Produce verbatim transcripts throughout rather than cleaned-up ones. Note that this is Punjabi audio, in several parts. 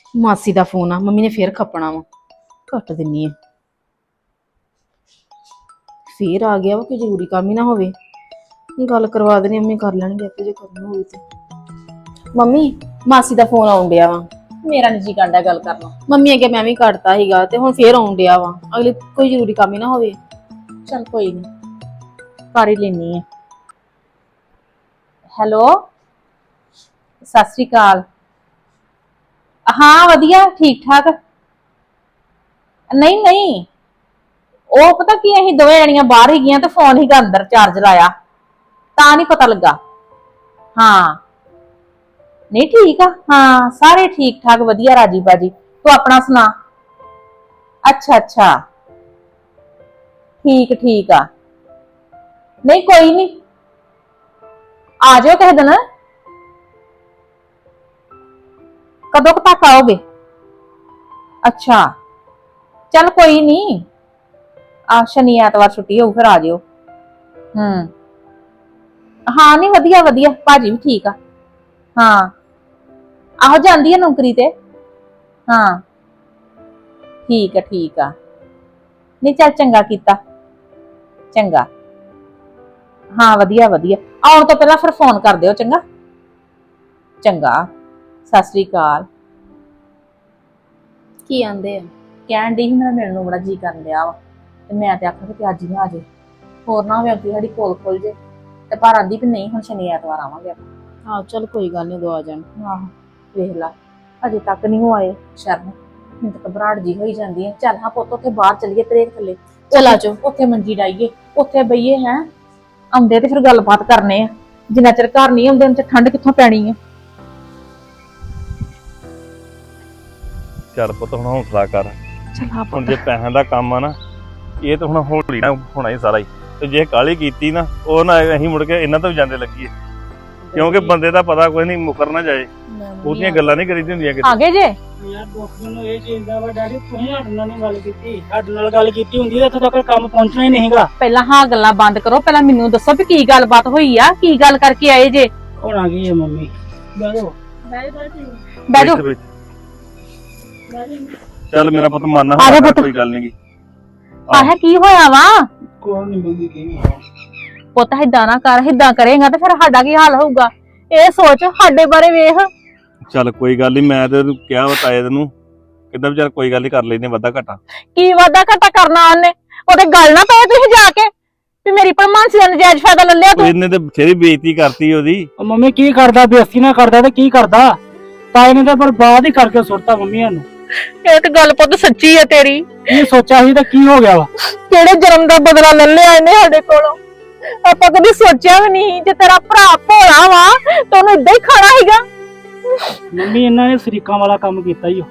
ਮਾਸੀ ਦਾ ਫੋਨ ਆ, ਮੰਮੀ ਨੇ ਫੇਰ ਖੱਪਣਾ ਵਾ। ਕੱਟ ਦਿੰਨੀ ਆ। ਫੇਰ ਆ ਗਿਆ ਵਾ ਕਿ ਜ਼ਰੂਰੀ ਕੰਮ ਹੀ ਨਾ ਹੋਵੇ। ਗੱਲ ਕਰਵਾ ਦੇਣੀ, ਮੰਮੀ ਕਰ ਲੈਣਗੇ ਆਪੇ ਜੇ ਕਰਨਾ ਹੋਵੇ ਤੇ। ਮੰਮੀ ਮਾਸੀ ਦਾ ਫੋਨ ਆਉਣ ਡਿਆ ਵਾ। ਮੇਰਾ ਨਿੱਜੀ ਕਾਂਡਾ ਗੱਲ ਕਰਨਾ। ਮੰਮੀ ਅੱਗੇ ਮੈਂ ਵੀ ਕੱਟਤਾ ਸੀਗਾ ਤੇ ਹੁਣ ਫੇਰ ਆਉਣ ਡਿਆ ਵਾ। ਅਗਲੇ ਕੋਈ ਜ਼ਰੂਰੀ ਕੰਮ ਹੀ ਨਾ ਹੋਵੇ। ਚਲ ਕੋਈ ਨਹੀਂ, ਕਰ ਹੀ ਲੈਣੀ ਹੈ। ਹੈਲੋ, ਸਤਿ ਸ੍ਰੀ ਅਕਾਲ। ਹਾਂ ਵਧੀਆ, ਠੀਕ ਠਾਕ। ਨਹੀਂ ਨਹੀਂ, ਉਹ ਪਤਾ ਕੀ, ਅਸੀਂ ਦੋਵੇਂ ਜਣੀਆਂ ਬਾਹਰ ਹੀ ਗਈਆਂ ਤੇ ਫੋਨ ਹੀ ਅੰਦਰ ਚਾਰਜ ਲਾਇਆ, ਤਾਂ ਨਹੀਂ ਪਤਾ ਲੱਗਾ। ਹਾਂ ਨਹੀਂ ਠੀਕ ਆ, ਹਾਂ ਸਾਰੇ ਠੀਕ ਠਾਕ ਵਧੀਆ ਰਾਜੀ ਬਾਜੀ। ਤੂੰ ਆਪਣਾ ਸੁਣਾ। ਅੱਛਾ ਅੱਛਾ, ਠੀਕ ਠੀਕ ਆ। ਨਹੀਂ ਕੋਈ ਨਹੀਂ, ਆ ਜਾਓ ਕਿਸੇ ਦਿਨ। ਕਦੋਂ ਕੁ ਤੱਕ ਆਓਗੇ? ਅੱਛਾ ਚੱਲ ਕੋਈ ਨਹੀਂ, ਆ ਸ਼ਨੀ ਐਤਵਾਰ ਛੁੱਟੀ ਹੋਊ, ਫਿਰ ਆ ਜਿਓ। ਹੂੰ ਹਾਂ ਨਹੀਂ ਵਧੀਆ ਵਧੀਆ, ਭਾਜੀ ਵੀ ਠੀਕ ਆ। ਹਾਂ ਆਹੋ ਜਾਂਦੀ ਆ ਨੌਕਰੀ ਤੇ। ਹਾਂ ਠੀਕ ਆ ਠੀਕ ਆ। ਨਹੀਂ ਚੱਲ ਚੰਗਾ ਕੀਤਾ, ਚੰਗਾ। ਹਾਂ ਵਧੀਆ ਵਧੀਆ, ਆਉਣ ਤੋਂ ਪਹਿਲਾਂ ਫਿਰ ਫੋਨ ਕਰ ਦਿਓ, ਚੰਗਾ ਚੰਗਾ। ਸਤਿ ਸ੍ਰੀ ਅਕਾਲ। ਕੀ ਆਂਦੇ ਆ? ਕਹਿਣ ਡਈ ਸੀ ਮੇਰਾ ਮਿਲਣ ਨੂੰ ਬੜਾ ਜੀ ਕਰਨ ਡਿਆ ਵਾ, ਤੇ ਮੈਂ ਤੇ ਆਖਾਂ ਕਿ ਅੱਜ ਹੀ ਨਾ ਆ ਜਾਏ, ਹੋਰ ਨਾ ਹੋਵੇ ਅੱਗੇ ਸਾਡੀ ਕੋਲ ਖੁੱਲ ਜੇ। ਤੇ ਪਰ ਆਂਦੀ ਵੀ ਨਹੀਂ, ਹੁਣ ਸ਼ਨੀ ਐਤਵਾਰ ਆਵਾਂਗੇ ਆਪਾਂ। ਹਾਂ ਚੱਲ ਕੋਈ ਗੱਲ ਨਹੀਂ, ਉਦੋਂ ਆ ਜਾਣ। ਆਹੋ ਵੇਖ ਲਾ, ਅਜੇ ਤੱਕ ਨਹੀਂ ਉਹ ਆਏ। ਸ਼ਰਨ ਮੈਨੂੰ ਤਾਂ ਘਬਰਾਹਟ ਜੀ ਹੋਈ ਜਾਂਦੀ ਹੈ। ਚੱਲ ਹਾਂ ਪੁੱਤ, ਉੱਥੇ ਬਾਹਰ ਚੱਲੀਏ ਤਰੇਕ ਥੱਲੇ, ਚਲ ਆ ਜਾਓ। ਉੱਥੇ ਮੰਜੀ ਡਾਈਏ, ਉੱਥੇ ਬਈਏ। ਹੈ ਆਉਂਦੇ ਤੇ ਫਿਰ ਗੱਲਬਾਤ ਕਰਨੇ ਆ, ਜਿੰਨਾ ਚਿਰ ਘਰ ਨਹੀਂ ਆਉਂਦੇ ਉਹਨਾਂ ਚ ਠੰਡ ਕਿੱਥੋਂ ਪੈਣੀ ਆ। ਚੱਲ ਪੁੱਤ ਹੁਣ ਹੌਸਲਾ ਕਰ। ਚਲ ਆ ਹੁਣ ਜੇ ਪੈਸਿਆਂ ਦਾ ਕੰਮ ਆ ਨਾ, ਇਹ ਤਾਂ ਹੁਣ ਹੌਲੀ ਨਾ ਹੋਣਾ ਹੀ ਸਾਰਾ ਹੀ। ਤੇ ਜੇ ਕਾਹਲੀ ਕੀਤੀ ਨਾ, ਉਹ ਨਾ ਅਸੀਂ ਮੁੜ ਕੇ ਇਹਨਾਂ ਤੋਂ ਵੀ ਜਾਂਦੇ ਲੱਗੀਏ, ਕਿਉਂਕਿ ਬੰਦੇ ਦਾ ਪਤਾ ਕੋਈ ਨਹੀਂ, ਮੁਕਰ ਨਾ ਜਾਏ। ਉਹਦੀਆਂ ਗੱਲਾਂ ਨਹੀਂ ਕਰੀਦੀਆਂ ਹੁੰਦੀਆਂ ਕਿਤੇ। ਆ ਗਏ ਜੇ? ਯਾਰ ਦੁੱਖ ਮੈਨੂੰ ਇਹ ਚੀਜ਼ ਦਾ ਵਾ ਡੈਡੀ, ਤੁਸੀਂ ਸਾਡੇ ਨਾਲ ਨਹੀਂ ਗੱਲ ਕੀਤੀ। ਸਾਡੇ ਨਾਲ ਗੱਲ ਕੀਤੀ ਹੁੰਦੀ ਤਾਂ ਇੱਥੇ ਤੱਕ ਕੰਮ ਪਹੁੰਚਣਾ ਹੀ ਨਹੀਂਗਾ। ਪਹਿਲਾਂ ਹਾਂ ਗੱਲਾਂ ਬੰਦ ਕਰੋ, ਪਹਿਲਾਂ ਮੈਨੂੰ ਦੱਸੋ ਵੀ ਕੀ ਗੱਲਬਾਤ ਹੋਈ ਆ, ਕੀ ਗੱਲ ਕਰਕੇ ਆਏ ਜੇ? ਹੁਣ ਆ ਗਈ ਹੈ ਮੰਮੀ। ਬੈਠੋ ਬਹਿ ਜਾਓ। ਬੈਠ, ਬੈਠ। ਚੱਲ ਮੇਰਾ ਪੁੱਤ ਮੰਨ, ਆ ਜਾ ਪੁੱਤ। ਕੋਈ ਗੱਲ ਨਹੀਂ। ਆਹ ਕੀ ਹੋਇਆ ਵਾ? ਕੋਈ ਨਹੀਂ ਮੰਮੀ, ਕੀ ਪੁੱਤ ਏਦਾਂ ਨਾ ਕਰ, ਏਦਾਂ ਕਰੇਗਾ ਤੇ ਫਿਰ ਸਾਡਾ ਕੀ ਹਾਲ ਹੋਊਗਾ? ਇਹ ਸੋਚ, ਸਾਡੇ ਬਾਰੇ ਵੇਖ। ਚੱਲ ਕੋਈ ਗੱਲ ਨਹੀਂ, ਮੈਂ ਤੇ ਕਿਹਾ ਬਤਾਇਆ ਤੈਨੂੰ, ਕਿੱਦਾਂ ਵੀ ਚੱਲ ਕੋਈ ਗੱਲ ਨਹੀਂ, ਕਰ ਲੈਨੇ ਵਾਧਾ ਘਾਟਾ। ਕੀ ਵਾਧਾ ਘਾਟਾ ਕਰਨਾ ਉਹਨੇ? ਉਹਦੇ ਗੱਲ ਨਾ ਪਏ ਤੁਸੀਂ ਜਾ ਕੇ ਵੀ ਮੇਰੀ ਭਲਮਾਨਸੀ ਦਾ ਨਜਾਇਜ਼ ਫਾਇਦਾ ਲੈ ਲਿਆ ਤੂੰ। ਇਹਨੇ ਤੇ ਬਥੇਰੀ ਬੇਇੱਜ਼ਤੀ ਕਰਤੀ ਉਹਦੀ। ਮੰਮੀ ਕੀ ਕਰਦਾ, ਬੇਇੱਜ਼ਤੀ ਨਾ ਕਰਦਾ ਤੇ ਕੀ ਕਰਦਾ? ਤਾਏ ਨੇ ਤਾਂ ਬਰਬਾਦ ਹੀ ਕਰਕੇ ਸੁੱਟਤਾ ਮੰਮੀਆਂ ਨੂੰ। ਇਹ ਤੇ ਗੱਲ ਪੁੱਤ ਸੱਚੀ ਹੈ ਤੇਰੀ। ਕੀ ਸੋਚਿਆ ਸੀ ਤਾਂ ਕੀ ਹੋ ਗਿਆ ਵਾ? ਕਿਹੜੇ ਜਨਮ ਦਾ ਬਦਲਾ ਲੈ ਲਿਆ ਇਹਨੇ ਸਾਡੇ ਕੋਲੋਂ? ਆਪਾਂ ਕਦੀ ਸੋਚਿਆ ਵੀ ਨਹੀਂ, ਜੇ ਤੇਰਾ ਭਰਾ ਭੋਲਾ ਵਾ ਤਾਂ ਉਹਨੂੰ ਏਦਾਂ ਹੀ ਖਾਣਾ ਹੈਗਾ। ਮੰਮੀ ਇਹਨਾਂ ਨੇ ਸ਼ਰੀਕਾਂ ਵਾਲਾ ਕੰਮ ਕੀਤਾ ਹੀ।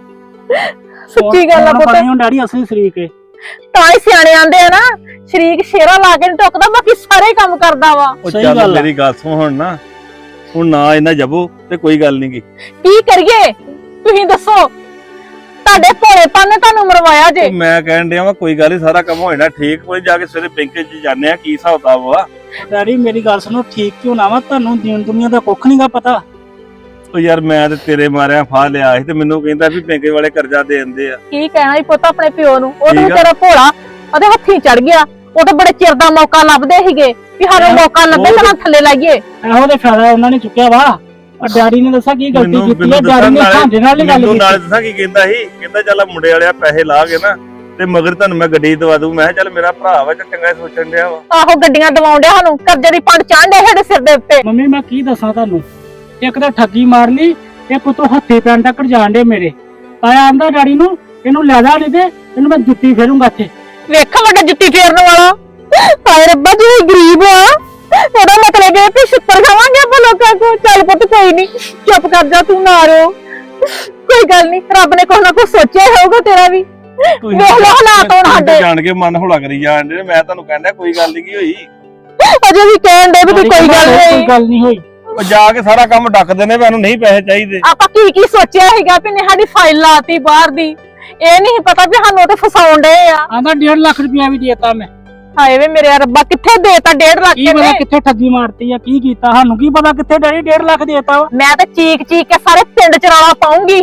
ਸੱਚੀ ਗੱਲ ਆ ਪੁੱਤ, ਹੁਣ ਡੈਡੀ ਅਸਲੀ ਸ਼ਰੀਕ ਹੈ। ਤਾਂ ਹੀ ਸਿਆਣੇ ਆਂਦੇ ਆ ਨਾ, ਸ਼ਰੀਕ ਸ਼ੇਰਾ ਲਾ ਕੇ ਨੀ ਟੁੱਕਦਾ, ਬਾਕੀ ਸਾਰੇ ਕੰਮ ਕਰਦਾ ਵਾ। ਉਹ ਸਹੀ ਚੱਲ ਗੱਲ ਆ। ਮੇਰੀ ਗੱਲ ਸੁਣ ਹੁਣ ਨਾ, ਹੁਣ ਨਾ ਇਹਨਾਂ ਜਬੋ ਤੇ ਕੋਈ ਗੱਲ ਨਹੀਂ ਗੀ। ਕੀ ਕਰੀਏ ਤੁਸੀਂ ਦੱਸੋ? ਤੁਹਾਡੇ ਭੋਲੇਪਨ ਨੇ ਤੁਹਾਨੂੰ ਮਰਵਾਇਆ ਜੇ। ਮੈਂ ਕਹਿਣ ਡਿਆ ਵਾ ਕੋਈ ਗੱਲ ਨਹੀਂ, ਸਾਰਾ ਕੰਮ ਹੋ ਜਾਣਾ ਠੀਕ। ਕੋਈ ਜਾ ਕੇ ਸਵੇਰੇ ਬੈਂਕ 'ਚ ਜਾਂਦੇ ਆ, ਕੀ ਹਿਸਾਬ ਕਿਤਾਬ ਵਾ। ਡੈਡੀ ਮੇਰੀ ਗੱਲ ਸੁਣੋ, ਠੀਕ ਕਿਉਂ ਨਾ ਵਾ? ਤੁਹਾਨੂੰ ਦੀਨ ਦੁਨੀਆ ਦਾ ਕੁੱਖ ਨਹੀਂਗਾ ਪਤਾ। ਉਹ ਯਾਰ ਮੈਂ ਤੇ ਤੇਰੇ ਮਾਰਿਆ ਫਾਹ ਲਿਆ ਸੀ ਤੇ ਮੈਨੂੰ ਕਹਿੰਦਾ ਵੀ ਬੈਂਕ ਵਾਲੇ ਕਰਜ਼ਾ ਦੇ ਦਿੰਦੇ ਆ। ਕੀ ਕਹਿਣਾ ਹੀ ਪੁੱਤ ਆਪਣੇ ਪਿਓ ਨੂੰ? ਉਹ ਤਾਂ ਠੀਕ ਆ। ਤੇਰਾ ਭੋਲਾ ਉਹਦੇ ਹੱਥੀਂ ਚੜ ਗਿਆ। ਉਹ ਤਾਂ ਬੜੇ ਚਿਰ ਦਾ ਮੌਕਾ ਲੱਭਦੇ ਸੀਗੇ ਵੀ ਸਾਨੂੰ ਮੌਕਾ ਲੱਭੇ ਤਾਂ ਥੱਲੇ ਲਾਈਏ। ਇਹੋ ਤੇ ਫਾਇਦਾ ਉਹਨਾਂ ਨੇ ਚੁੱਕਿਆ ਵਾ। ਪਰ ਡੈਡੀ ਨੇ ਦੱਸਿਆ ਕੀ ਗਲਤੀ ਮੈਨੂੰ ਕੀਤੀ ਹੈ। ਡੈਡੀ ਨੇ ਸਾਡੇ ਨਾਲ ਹੀ ਗੱਲ ਮੈਨੂੰ ਨਾਲ ਕੀਤੀ। ਦੱਸਾਂ ਕੀ ਕਹਿੰਦਾ ਸੀ, ਕਹਿੰਦਾ ਚੱਲ ਮੁੰਡੇ ਵਾਲਿਆ ਪੈਸੇ ਲਾ ਕੇ ਨਾ ਤੇ ਮਗਰ ਤੁਹਾਨੂੰ ਮੈਂ ਗੱਡੀ ਦਵਾ ਦੂੰ। ਮੈਂ ਕਿਹਾ ਚੱਲ ਮੇਰਾ ਭਰਾ ਵਾ, ਚੰਗਾ ਸੋਚਣ ਡਿਆ ਵਾ। ਆਹੋ ਗੱਡੀਆਂ ਦਵਾਉਣ ਡਿਆ ਸਾਨੂੰ, ਕਰਜ਼ੇ ਦੀ ਪੰਡ ਚਾਂਡੇ ਸਾਡੇ ਸਿਰ ਦੇ ਉੱਤੇ। ਮੰਮੀ ਮੈਂ ਕੀ ਦੱਸਾਂ ਤੁਹਾਨੂੰ, ਇੱਕ ਤਾਂ ਠੱਗੀ ਮਾਰ ਲਈ, ਇੱਕ ਉਤੋਂ ਹੱਥੇ ਪੈਣ ਤੱਕ ਜਾਣ ਡੇ ਮੇਰੇ। ਤਾਇਆ ਆਂਦਾ ਡੈਡੀ ਨੂੰ, ਇਹਨੂੰ ਲੈ ਜਾ ਨਹੀਂ ਤੇ ਇਹਨੂੰ ਮੈਂ ਜੁੱਤੀ ਫੇਰੂੰਗਾ ਇੱਥੇ। ਵੇਖੋ ਵੱਡਾ ਜੁੱਤੀ ਫੇਰਨ ਵਾਲਾ। ਹਾਏ ਰੱਬਾ ਜੀ ਗਰੀਬ ਆ, ਉਹਦਾ ਮਤਲਬ ਇਹ ਕਿ ਛਿੱਤਰ ਖਾਵਾਂਗੇ ਆਪਾਂ ਲੋਕਾਂ ਕੋਲ। ਚੱਲ ਪੁੱਤ ਕੋਈ ਨਹੀਂ, ਚੁੱਪ ਕਰ ਜਾ, ਤੂੰ ਨਾ ਰੋ, ਕੋਈ ਗੱਲ ਨਹੀਂ। ਰੱਬ ਨੇ ਕੁਛ ਨਾ ਕੁਛ ਸੋਚਿਆ ਹੋਊਗਾ ਤੇਰਾ ਵੀ। ਵੇਖ ਲੋ ਹਾਲਾਤ ਹੁਣ ਸਾਡੇ। ਜਾਣ ਕੇ ਮਨ ਹੌਲਾ ਕਰੀ ਜਾਣ ਡੇ। ਮੈਂ ਤੁਹਾਨੂੰ ਕਹਿੰਦਾ ਕੋਈ ਗੱਲ ਨਹੀਂ ਹੋਈ। ਅਜੇ ਵੀ ਕਹਿਣ ਦੇ ਵੀ ਕੋਈ ਗੱਲ ਨਹੀਂ ਕੋਈ ਗੱਲ ਨਹੀਂ ਹੋਈ। ਉਹ ਜਾ ਕੇ ਸਾਰਾ ਕੰਮ ਡੱਕਦੇ ਨੇ, ਮੈਨੂੰ ਨਹੀਂ ਪੈਸੇ ਚਾਹੀਦੇ। ਆਪਾਂ ਕੀ ਕੀ ਸੋਚਿਆ ਹੈਗਾ ਵੀ ਨੇ ਸਾਡੀ ਫਾਈਲ ਲਾਤੀ ਬਾਹਰ ਦੀ। ਇਹ ਨਹੀਂ ਪਤਾ ਵੀ ਸਾਨੂੰ ਉਹ ਤੇ ਫਸਾਉਣ ਡਏ ਆ। ਆਂਦਾ ਡੇਢ ਲੱਖ ਰੁਪਇਆ ਵੀ ਦੇਤਾ ਮੈਂ। ਹਾਏ ਵੇ ਮੇਰੇ ਰੱਬਾ, ਕਿੱਥੇ ਦੇਤਾ ਡੇਢ ਲੱਖ? ਕੀ ਪਤਾ ਕਿੱਥੇ ਠੱਗੀ ਮਾਰਤੀ ਆ, ਕੀ ਕੀਤਾ ਸਾਨੂੰ ਕੀ ਪਤਾ ਕਿੱਥੇ ਡੈਡੀ ਡੇਢ ਲੱਖ ਦੇਤਾ ਵਾ। ਮੈਂ ਤਾਂ ਚੀਕ ਚੀਕ ਕੇ ਸਾਰੇ ਪਿੰਡ ਚ ਰੌਲਾ ਪਾਉਂਗੀ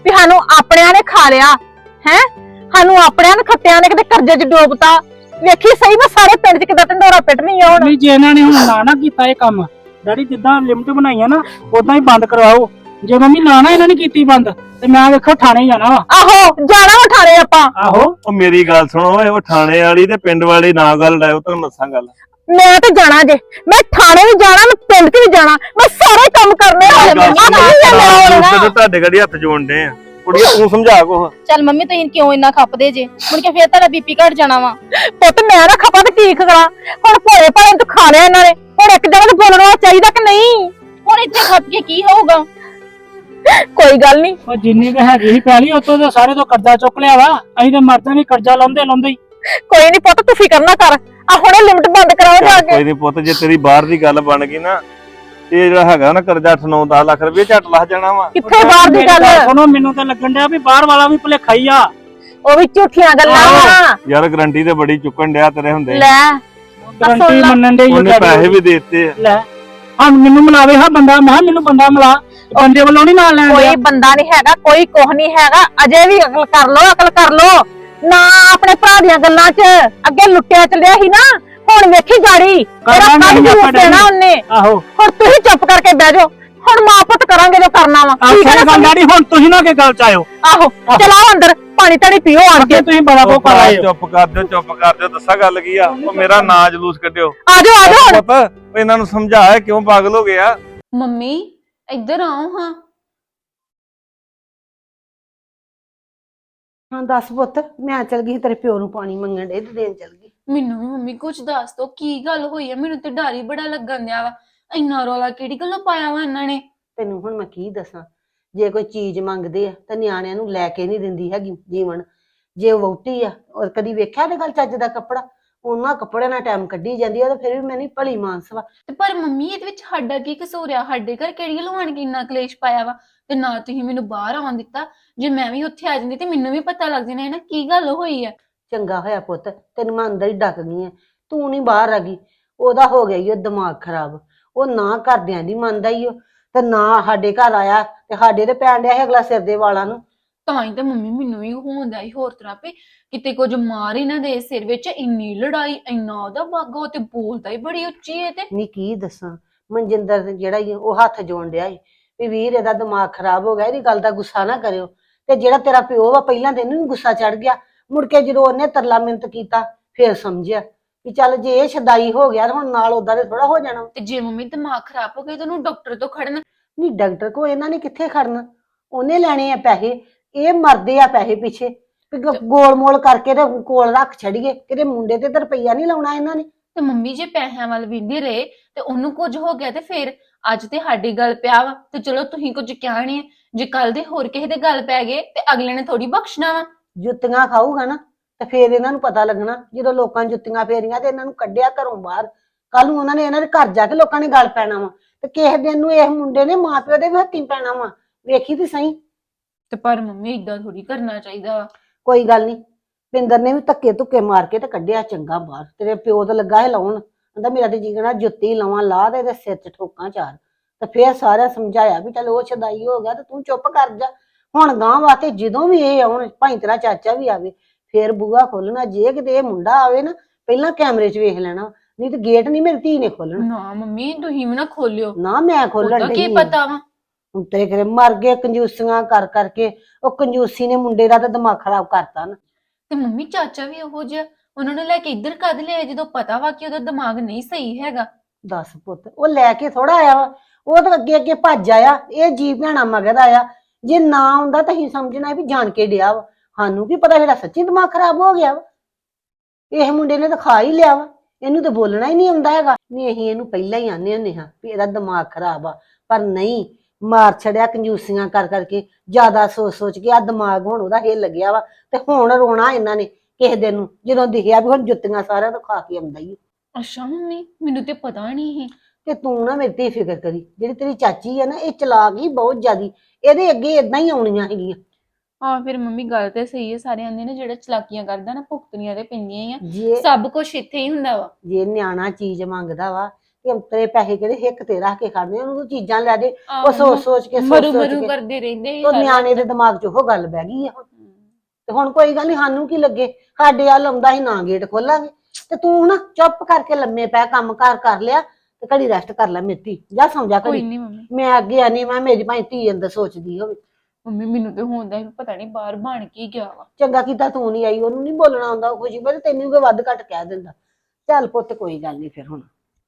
ਵੀ ਸਾਨੂੰ ਆਪਣਿਆਂ ਨੇ ਖਾ ਲਿਆ ਹੈ, ਸਾਨੂੰ ਆਪਣਿਆਂ ਨੇ ਖੱਤਿਆਂ ਨੇ ਕਿਤੇ ਕਰਜ਼ੇ 'ਚ ਡੋਬਤਾ। ਵੇਖੀ ਸਹੀ ਮੈਂ ਸਾਰੇ ਪਿੰਡ 'ਚ ਕਿਦਾਂ ਢੰਡੋਰਾ ਪਿੱਟਣੀ ਆ ਹੁਣ। ਵੀ ਜੇ ਇਹਨਾਂ ਨੇ ਹੁਣ ਨਾ ਨਾ ਕੀਤਾ ਇਹ ਕੰਮ, ਡੈਡੀ ਜਿੱਦਾਂ ਲਿਮਟ ਬਣਾਈਆਂ ਨਾ ਉਦਾਂ ਹੀ ਬੰਦ ਕਰਵਾਓ। ਜੇ ਮੰਮੀ ਨਾ ਨਾ ਇਹਨਾਂ ਨੇ ਕੀਤੀ ਬੰਦ ਤੇ ਮੈਂ ਵੇਖੋ ਥਾਣੇ ਜਾਣਾ ਵਾ। ਆਹੋ ਜਾਣਾ ਉਠਾਰੇ ਆਪਾਂ। ਆਹੋ ਉਹ ਮੇਰੀ ਗੱਲ ਸੁਣੋ ਓਏ, ਉਹ ਥਾਣੇ ਵਾਲੀ ਤੇ ਪਿੰਡ ਵਾਲੀ ਨਾ ਗੱਲ ਲਾਇਓ, ਤੁਹਾਨੂੰ ਦੱਸਾਂ ਗੱਲ। ਮੈਂ ਤੇ ਜਾਣਾ ਜੇ, ਮੈਂ ਥਾਣੇ ਵੀ ਜਾਣਾ, ਮੈਂ ਪਿੰਡ 'ਚ ਵੀ ਜਾਣਾ, ਮੈਂ ਸਾਰੇ ਕੰਮ ਕਰਨੇ ਆ। ਤੇ ਤੁਹਾਡੇ ਗੜੀ ਹੱਥ ਜੋੜਨੇ ਆ, ਕੁੜੀਏ ਤੂੰ ਸਮਝਾ ਕੋ। ਚੱਲ ਮੰਮੀ ਤੁਸੀਂ ਕਿਉਂ ਇੰਨਾ ਖੱਪਦੇ ਜੇ, ਮੁੜ ਕੇ ਫੇਰ ਤੁਹਾਡਾ ਬੀਪੀ ਘਟ ਜਾਣਾ ਵਾ। ਪੁੱਤ ਮੈਂ ਨਾ ਖਪਾ ਤੇ ਕੀ ਕਰਾਂ ਹੁਣ, ਭੋਲੇ ਭਾਲੇ ਤੂੰ ਖਾ ਲਿਆ ਇਹਨਾਂ ਨੇ, ਹੁਣ ਇੱਕ ਜਗ੍ਹਾ ਤੇ ਬੋਲਣਾ ਚਾਹੀਦਾ ਕਿ ਨਹੀਂ? ਹੁਣ ਇੱਥੇ ਖੱਪ ਕੇ ਕੀ ਹੋਊਗਾ? ਕੋਈ ਗੱਲ ਨਹੀਂ, ਉਹ ਜਿੰਨੀ ਕੁ ਹੈਗੀ ਸੀ ਪਹਿਲੀ ਉਤੋਂ ਤੇ ਸਾਰੇ ਤੋਂ ਕਰਜ਼ਾ ਚੁੱਕ ਲਿਆ ਵਾ। ਅਸੀਂ ਤੇ ਮਰਦੇ ਨਹੀਂ ਕਰਜ਼ਾ ਲਾਉਂਦੇ ਲਾਉਂਦੇ ਹੀ। ਕੋਈ ਨਹੀਂ ਪੁੱਤ ਤੂੰ ਫਿਕਰ ਨਾ ਕਰ, ਆ ਹੁਣੇ ਲਿਮਟ ਬੰਦ ਕਰਾਓ ਜਾ ਕੇ। ਕੋਈ ਨਹੀਂ ਪੁੱਤ, ਜੇ ਤੇਰੀ ਬਾਹਰ ਦੀ ਗੱਲ ਬਣ ਗਈ ਨਾ, ਇਹ ਜਿਹੜਾ ਹੈਗਾ ਨਾ ਕਰਜ਼ਾ ਅੱਠ ਨੌ ਦਸ ਲੱਖ ਰੁਪਏ ਝੱਟ ਲੱਗ ਜਾਣਾ ਵਾ। ਕਿੱਥੇ ਬਾਹਰ ਦੀ ਗੱਲ? ਸੁਣੋ ਮੈਨੂੰ ਤਾਂ ਲੱਗਣ ਡਿਆ ਵੀ ਬਾਹਰ ਵਾਲਾ ਵੀ ਭੁਲੇਖਾ ਹੀ ਆ। ਉਹ ਵੀ ਝੂਠੀਆਂ ਗੱਲਾਂ ਵਾ। ਯਾਰ ਗਰੰਟੀ ਤੇ ਬੜੀ ਚੁੱਕਣ ਡਿਆ ਤੇਰੇ ਹੁੰਦੇ, ਲੈ ਗਰੰਟੀ ਮੰਨਣ ਦੇ ਉਹਨੇ ਪੈਸੇ ਵੀ ਦੇਤੇ। ਲੈ ਹਾਂ ਮੈਨੂੰ ਮਿਲਾਵੇ ਹਾਂ ਬੰਦਾ, ਮੈਂ ਕਿਹਾ ਮੈਨੂੰ ਬੰਦਾ ਮਿਲਾ, ਬੰਦੇ ਵੱਲੋਂ ਨਹੀਂ ਨਾਲ ਲੈਣ ਕੋਈ ਡਿਆ। ਬੰਦਾ ਨਹੀਂ ਹੈਗਾ, ਕੋਈ ਕੁਝ ਨਹੀਂ ਹੈਗਾ, ਅਜੇ ਵੀ ਅਕਲ ਕਰ ਲੋ, ਅਕਲ ਕਰ ਲੋ ਨਾ ਆਪਣੇ ਭਰਾ ਦੀਆਂ ਗੱਲਾਂ 'ਚ। ਅੱਗੇ ਲੁੱਟਿਆ ਚੱਲਿਆ ਸੀ ਨਾ, ਹੁਣ ਵੇਖੀ ਗਾੜੀ ਤੇਰਾ ਕੱਢ ਜੂ ਦੇਣਾ ਉਹਨੇ। ਆਹੋ ਹੁਣ ਤੁਸੀਂ ਚੁੱਪ ਕਰਕੇ ਬਹਿ ਜਾਓ, ਹੁਣ ਮਾਂ ਪੁੱਤ ਕਰਾਂਗੇ ਜੋ ਕਰਨਾ ਵਾ। ਠੀਕ ਹੈ ਨਾ ਡੈਡੀ, ਹੁਣ ਤੁਸੀਂ ਨਾ ਕਿ ਗੱਲ ਚ ਆਇਓ। ਆਹੋ ਚਲਾਓ ਅੰਦਰ, ਪਾਣੀ ਧਾਣੀ ਪੀਓ ਆਣ ਕੇ। ਤੁਸੀਂ ਬੜਾ ਕੋ ਕਰ ਆਏ ਹੋ। ਚੁੱਪ ਕਰ ਦਿਓ, ਚੁੱਪ ਕਰ ਦਿਓ, ਦੱਸਾਂ ਗੱਲ ਕੀ ਆ। ਉਹ ਮੇਰਾ ਨਾਂ ਜਲੂਸ ਕੱਢਿਓ। ਆ ਜਾਓ ਆ ਜਾਓ ਹੁਣ। ਪੁੱਤ ਉਹ ਇਹਨਾਂ ਨੂੰ ਸਮਝਾਇਆ ਕਿਉਂ ਪਾਗਲ ਹੋ ਗਿਆ। ਮੰਮੀ ਇੱਧਰ ਆਓ ਹਾਂ। ਹਾਂ ਦੱਸ ਪੁੱਤ, ਮੈਂ ਚਲ ਗਈ ਤੇਰੇ ਪਿਓ ਨੂੰ ਪਾਣੀ ਮੰਗਣ ਡੇ ਤੇ ਦੇਣ ਚਲ ਗਈ। ਮੈਨੂੰ ਵੀ ਮੰਮੀ ਕੁਝ ਦੱਸ ਦੋ, ਕੀ ਗੱਲ ਹੋਈ ਹੈ? ਮੈਨੂੰ ਤੇ ਡਰ ਹੀ ਬੜਾ ਲੱਗਣ ਦਿਆ ਵਾ। ਇੰਨਾ ਰੌਲਾ ਕਿਹੜੀ ਗੱਲੋਂ ਪਾਇਆ ਵਾ ਇਹਨਾਂ ਨੇ? ਤੈਨੂੰ ਹੁਣ ਮੈਂ ਕੀ ਦੱਸਾਂ, ਜੇ ਕੋਈ ਚੀਜ਼ ਮੰਗਦੇ ਆ ਤਾਂ ਨਿਆਣਿਆਂ ਨੂੰ ਲੈ ਕੇ ਨਹੀਂ ਦਿੰਦੀ ਹੈਗੀ ਜੀਵਨ। ਜੇ ਉਹ ਵਹੁਟੀ ਆ ਔਰ ਕਦੀ ਵੇਖਿਆ ਤੇ ਗੱਲ ਚੱਜ ਦਾ ਕੱਪੜਾ, ਉਹਨਾਂ ਕੱਪੜਿਆਂ ਨਾਲ ਟਾਈਮ ਕੱਢੀ ਜਾਂਦੀ ਆ, ਤੇ ਫਿਰ ਵੀ ਮੈਂ ਨਹੀਂ ਭਲੀ ਮਾਨਸ ਵਾ। ਤੇ ਪਰ ਮੰਮੀ ਇਹਦੇ ਵਿੱਚ ਸਾਡਾ ਕੀ ਕਸੂਰ ਆ? ਸਾਡੇ ਘਰ ਕਿਹੜੀ ਗੱਲੋਂ ਆਣ ਕੇ ਇੰਨਾ ਕਲੇਸ਼ ਪਾਇਆ ਵਾ? ਤੇ ਨਾ ਤੁਸੀਂ ਮੈਨੂੰ ਬਾਹਰ ਆਉਣ ਦਿੱਤਾ। ਜੇ ਮੈਂ ਵੀ ਉੱਥੇ ਆ ਜਾਂਦੀ ਤੇ ਮੈਨੂੰ ਵੀ ਪਤਾ ਲੱਗ ਜਾਣਾ ਹੈ ਨਾ ਕੀ ਗੱਲ ਹੋਈ ਆ। ਚੰਗਾ ਹੋਇਆ ਪੁੱਤ, ਤੈਨੂੰ ਮੈਂ ਅੰਦਰ ਹੀ ਡੱਕ ਗਈ ਆ, ਤੂੰ ਨਹੀਂ ਬਾਹਰ ਆ ਗਈ। ਉਹਦਾ ਹੋ ਗਿਆ ਈ ਉਹ ਦਿਮਾਗ ਖਰਾਬ, ਉਹ ਨਾ ਘਰਦਿਆਂ ਦੀ ਮੰਨਦਾ ਹੀ ਉਹ, ਤੇ ਨਾ ਸਾਡੇ ਘਰ ਆਇਆ ਤੇ ਸਾਡੇ ਤੇ ਪੈਣ ਡਿਆ ਸੀ ਅਗਲਾ ਸਿਰ ਦੇ ਵਾਲਾਂ ਨੂੰ। ਤਾਂ ਹੀ ਤਾਂ ਮੰਮੀ ਮੈਨੂੰ ਵੀ ਹੁੰਦਾ ਹੀ ਹੋਰ ਤਰ੍ਹਾਂ ਪੇ ਕਿਤੇ ਕੁਝ ਮਾਰ ਹੀ ਨਾ ਦੇ ਸਿਰ ਵਿੱਚ। ਇੰਨੀ ਲੜਾਈ, ਇੰਨਾ ਉਹਦਾ ਬਾਗਾ, ਉਹ ਤੇ ਬੋਲਦਾ ਹੀ ਬੜੀ ਉੱਚੀ ਹੈ। ਤੇ ਨਹੀਂ ਕੀ ਦੱਸਾਂ, ਮਨਜਿੰਦਰ ਜਿਹੜਾ ਹੀ ਉਹ ਹੱਥ ਜੋੜ ਡਿਆ ਸੀ ਵੀ ਵੀਰ ਇਹਦਾ ਦਿਮਾਗ ਖਰਾਬ ਹੋ ਗਿਆ, ਇਹਦੀ ਗੱਲ ਦਾ ਗੁੱਸਾ ਨਾ ਕਰਿਓ। ਤੇ ਜਿਹੜਾ ਤੇਰਾ ਪਿਓ ਵਾ ਪਹਿਲਾਂ ਤੇ ਇਹਨੂੰ ਵੀ ਗੁੱਸਾ ਚੜ ਗਿਆ, ਮੁੜ ਕੇ ਜਦੋਂ ਉਹਨੇ ਤਰਲਾ ਮਿੰਤ ਕੀਤਾ ਫੇਰ ਸਮਝਿਆ ਵੀ ਚੱਲ ਜੇ ਇਹ ਸ਼ਦਾਈ ਹੋ ਗਿਆ ਹੁਣ ਨਾਲ ਉਦਾਂ ਦੇ ਥੋੜਾ ਹੋ ਜਾਣਾ। ਤੇ ਜੇ ਮੰਮੀ ਦਿਮਾਗ ਖਰਾਬ ਹੋ ਗਿਆ ਤਾਂ ਉਹਨੂੰ ਡਾਕਟਰ ਤੋਂ ਖੜਨਾ। ਨਹੀਂ ਡਾਕਟਰ ਕੋ ਇਹਨਾਂ ਨੇ ਕਿੱਥੇ ਖੜਨਾ, ਉਹਨੇ ਲੈਣੇ ਆ ਪੈਸੇ, ਇਹ ਮਰਦੇ ਆ ਪੈਸੇ ਪਿੱਛੇ ਵੀ ਗੋਲ ਮੋਲ ਕਰਕੇ ਤੇ ਕੋਲ ਰੱਖ ਛੜੀਏ, ਕਿਤੇ ਮੁੰਡੇ ਤੇ ਤਾਂ ਰੁਪਈਆ ਨਹੀਂ ਲਾਉਣਾ ਇਹਨਾਂ ਨੇ। ਤੇ ਮੰਮੀ ਜੇ ਪੈਸਿਆਂ ਵੱਲ ਵਿੰਦੇ ਰਹੇ ਤੇ ਉਹਨੂੰ ਕੁਝ ਹੋ ਗਿਆ ਤੇ ਫਿਰ ਅੱਜ ਤੇ ਸਾਡੀ ਗੱਲ ਪਿਆ ਵਾ, ਤੇ ਚਲੋ ਤੁਸੀਂ ਕੁਝ ਕਿਹਾ ਨਹੀਂ। ਜੇ ਕੱਲ ਦੇ ਹੋਰ ਕਿਸੇ ਦੇ ਗੱਲ ਪੈ ਗਏ ਤੇ ਅਗਲੇ ਨੇ ਥੋੜੀ ਬਖਸ਼ਣਾ ਵਾ। ਜੁੱਤੀਆਂ ਖਾਊਗਾ ਨਾ ਤੇ ਫੇਰ ਇਹਨਾਂ ਨੂੰ ਪਤਾ ਲੱਗਣਾ, ਜਦੋਂ ਲੋਕਾਂ ਜੁੱਤੀਆਂ ਫੇਰੀਆਂ ਤੇ ਇਹਨਾਂ ਨੂੰ ਕੱਢਿਆ ਘਰੋਂ ਬਾਹਰ, ਕੱਲ ਨੂੰ ਉਹਨਾਂ ਨੇ ਇਹਨਾਂ ਦੇ ਘਰ ਜਾ ਕੇ ਲੋਕਾਂ ਨੇ ਗੱਲ ਪੈਣਾ ਵਾ, ਤੇ ਕਿਸੇ ਦਿਨ ਨੂੰ ਇਸ ਮੁੰਡੇ ਨੇ ਮਾਂ ਪਿਓ ਦੇ ਵੀ ਹੱਥੀਂ ਪੈਣਾ ਵਾ। ਵੇਖੀ ਤੇ ਸਹੀ। ਤੇ ਪਰ ਮੰਮੀ ਇਦਾਂ ਥੋੜੀ ਕਰਨਾ ਚਾਹੀਦਾ ਵਾ। ਕੋਈ ਗੱਲ ਨਹੀਂ, ਪਿੰਦਰ ਨੇ ਵੀ ਧੱਕੇ ਧੁੱਕੇ ਮਾਰ ਕੇ ਤੇ ਕੱਢਿਆ ਚੰਗਾ ਬਾਹਰ। ਤੇਰੇ ਪਿਓ ਤਾਂ ਲੱਗਾ ਹੈ ਲਾਉਣ, ਕਹਿੰਦਾ ਮੇਰਾ ਤੇ ਜੀਣਾ ਜੁੱਤੀ ਲਾਵਾਂ ਲਾ ਦੇ ਸਿਰ 'ਚ ਠੋਕਾਂ ਚਾਰ। ਤੇ ਫੇਰ ਸਾਰਿਆਂ ਸਮਝਾਇਆ ਵੀ ਚੱਲ ਉਹ ਛਦਾਈ ਹੋ ਗਿਆ ਤੇ ਤੂੰ ਚੁੱਪ ਕਰ ਜਾ। ਹੁਣ ਗਾਂ ਵਾਸਤੇ ਜਦੋਂ ਵੀ ਇਹ ਆਉਣ, ਭਾਈ ਤੇਰਾ ਚਾਚਾ ਵੀ ਆਵੇ, ਫੇਰ ਬੂਹਾ ਖੋਲਣਾ। ਜੇ ਕਿਤੇ ਇਹ ਮੁੰਡਾ ਆਵੇ ਨਾ ਪਹਿਲਾਂ ਕੈਮਰੇ 'ਚ ਵੇਖ ਲੈਣਾ, ਨਹੀਂ ਤੇ ਗੇਟ ਨਹੀਂ ਮੇਰੀ ਧੀ ਨੇ ਖੋਲਣਾ। ਨਾ ਮੰਮੀ ਤੁਸੀਂ ਵੀ ਨਾ ਖੋਲਿਓ, ਨਾ ਮੈਂ ਖੋਲਣ ਉਹਦਾ ਕੀ ਡਈ ਪਤਾ ਵਾ। ਹੁਣ ਤੇਰੇ ਘਰੇ ਮਰ ਗਏ ਕੰਜੂਸੀਆਂ ਕਰ ਕਰਕੇ। ਉਹ ਕੰਜੂਸੀ ਨੇ ਮੁੰਡੇ ਦਾ ਤਾਂ ਦਿਮਾਗ ਖਰਾਬ ਕਰਤਾ ਨਾ। ਤੇ ਮੰਮੀ ਚਾਚਾ ਵੀ ਉਹੋ ਜਿਹਾ, ਉਹਨਾਂ ਨੂੰ ਲੈ ਕੇ ਇੱਧਰ ਕਦ ਲਿਆ ਜਦੋਂ ਪਤਾ ਵਾ ਕਿ ਉਹਦਾ ਦਿਮਾਗ ਨਹੀਂ ਸਹੀ ਹੈਗਾ। ਦੱਸ ਪੁੱਤ, ਉਹ ਲੈ ਕੇ ਥੋੜਾ ਆਇਆ ਵਾ, ਉਹ ਤਾਂ ਅੱਗੇ ਅੱਗੇ ਭੱਜ ਆਇਆ, ਇਹ ਜੀ ਭੈਣਾ ਮਗਰ ਆਇਆ। ਜੇ ਨਾ ਆਉਂਦਾ ਤਾਂ ਅਸੀਂ ਸਮਝਣਾ ਵੀ ਜਾਣ ਕੇ ਡਿਆ ਵਾ, ਸਾਨੂੰ ਕੀ ਪਤਾ ਜਿਹੜਾ ਸੱਚੀ ਦਿਮਾਗ ਖਰਾਬ ਹੋ ਗਿਆ ਵਾ। ਇਹ ਮੁੰਡੇ ਨੇ ਤਾਂ ਖਾ ਹੀ ਲਿਆ ਵਾ, ਇਹਨੂੰ ਤਾਂ ਬੋਲਣਾ ਹੀ ਨਹੀਂ ਆਉਂਦਾ ਹੈਗਾ। ਨਹੀਂ ਅਸੀਂ ਇਹਨੂੰ ਪਹਿਲਾਂ ਹੀ ਆਨੇ ਹੁੰਦੇ ਹਾਂ ਵੀ ਇਹਦਾ ਦਿਮਾਗ ਖਰਾਬ ਆ, ਪਰ ਨਹੀਂ, ਮਾਰ ਛੜਿਆ ਕੰਜੂਸੀਆਂ ਕਰ ਕਰਕੇ, ਜ਼ਿਆਦਾ ਸੋਚ ਸੋਚ ਕੇ ਆ ਦਿਮਾਗ ਹੁਣ ਉਹਦਾ ਹਿੱਲ ਗਿਆ ਵਾ। ਤੇ ਹੁਣ ਰੋਣਾ ਇਹਨਾਂ ਨੇ ਕਿਸੇ ਦਿਨ ਨੂੰ ਜਦੋਂ ਦਿਖਿਆ ਵੀ ਹੁਣ ਜੁੱਤੀਆਂ ਸਾਰਿਆਂ ਤੋਂ ਖਾ ਕੇ ਆਉਂਦਾ ਹੀ। ਅੱਛਾ ਮੰਮੀ, ਮੈਨੂੰ ਤੇ ਪਤਾ ਨਹੀਂ ਸੀ। ਤੇ ਤੂੰ ਨਾ ਮੇਰੀ ਤੇ ਫਿਕਰ ਕਰੀ, ਜਿਹੜੀ ਤੇਰੀ ਚਾਚੀ ਹੈ ਨਾ ਇਹ ਚਲਾਕ ਹੀ ਬਹੁਤ ਜ਼ਿਆਦੀ, ਇਹਦੇ ਅੱਗੇ ਇਦਾਂ ਹੀ ਆਉਣੀਆਂ ਹੈਗੀਆਂ। ਹਾਂ ਫਿਰ ਮੰਮੀ ਗੱਲ ਤੇ ਸਹੀ ਹੈ, ਸਾਰੇ ਆਂਦੇ ਨੇ ਜਿਹੜਾ ਚਲਾਕੀਆਂ ਕਰਦਾ ਨਾ ਭੁਗਤਣੀਆਂ ਤੇ ਪੈਂਦੀਆਂ ਹੀ ਆ। ਜੇ ਸਭ ਕੁਝ ਇੱਥੇ ਹੀ ਹੁੰਦਾ ਵਾ। ਜੇ ਨਿਆਣਾ ਚੀਜ਼ ਮੰਗਦਾ ਵਾ ਕਿ ਅੰਤਰੇ ਪੈਸੇ ਕਿਹੜੇ ਹਿੱਕ ਤੇ ਰੱਖ ਕੇ ਖੜਨੇ, ਉਹਨੂੰ ਤੂੰ ਚੀਜ਼ਾਂ ਲੈ ਦੇ। ਆਹੋ, ਉਹ ਸੋਚ ਸੋਚ ਕੇ ਸੋਚ ਮਰੂ ਸੋਚ ਮਰੂ ਕੇ ਕਰਦੇ ਰਹਿੰਦੇ ਸੀ ਉਹ ਹਰ ਨਿਆਣੇ ਦੇ ਵਕਤ। ਦਿਮਾਗ 'ਚ ਉਹ ਗੱਲ ਬਹਿ ਗਈ ਆ ਹੁਣ। ਤੇ ਹੁਣ ਕੋਈ ਗੱਲ ਨਹੀਂ, ਸਾਨੂੰ ਕੀ ਲੱਗੇ, ਸਾਡੇ ਵੱਲ ਆਉਂਦਾ ਸੀ ਨਾ ਗੇਟ ਖੋਲਾਂਗੇ। ਤੇ ਤੂੰ ਨਾ ਚੁੱਪ ਕਰਕੇ ਲੰਮੇ ਪੈ, ਕੰਮ ਕਾਰ ਕਰ ਲਿਆ ਤੇ ਘੜੀ ਰੈਸਟ ਕਰ ਲੈ ਮੇਰੀ, ਜਾ ਸੌਂ ਜਾ ਕੋਈ ਘੜੀ। ਨਹੀਂ ਮੰਮੀ। ਮੈਂ ਅੱਗੇ ਆਨੀ, ਮੈਂ ਮੇਰੀ ਭਾਈ ਧੀ ਅੰਦਰ ਸੋਚਦੀ ਹੋਵੇ। ਮੰਮੀ ਮੈਨੂੰ ਤੇ ਹੁੰਦਾ ਸੀ ਪਤਾ ਨਹੀਂ ਬਾਹਰ ਬਣ ਕੀ ਗਿਆ ਵਾ। ਚੰਗਾ ਕੀਤਾ ਤੂੰ ਨਹੀਂ ਆਈ, ਉਹਨੂੰ ਨਹੀਂ ਬੋਲਣਾ ਆਉਂਦਾ, ਉਹ ਖੁਸ਼ੀ ਬਸ ਤੈਨੂੰ ਕੋਈ ਵੱਧ ਘੱਟ ਕਹਿ ਦਿੰਦਾ। ਚੱਲ ਪੁੱਤ ਕੋਈ ਗੱਲ ਨਹੀਂ ਫਿਰ ਹੁਣ।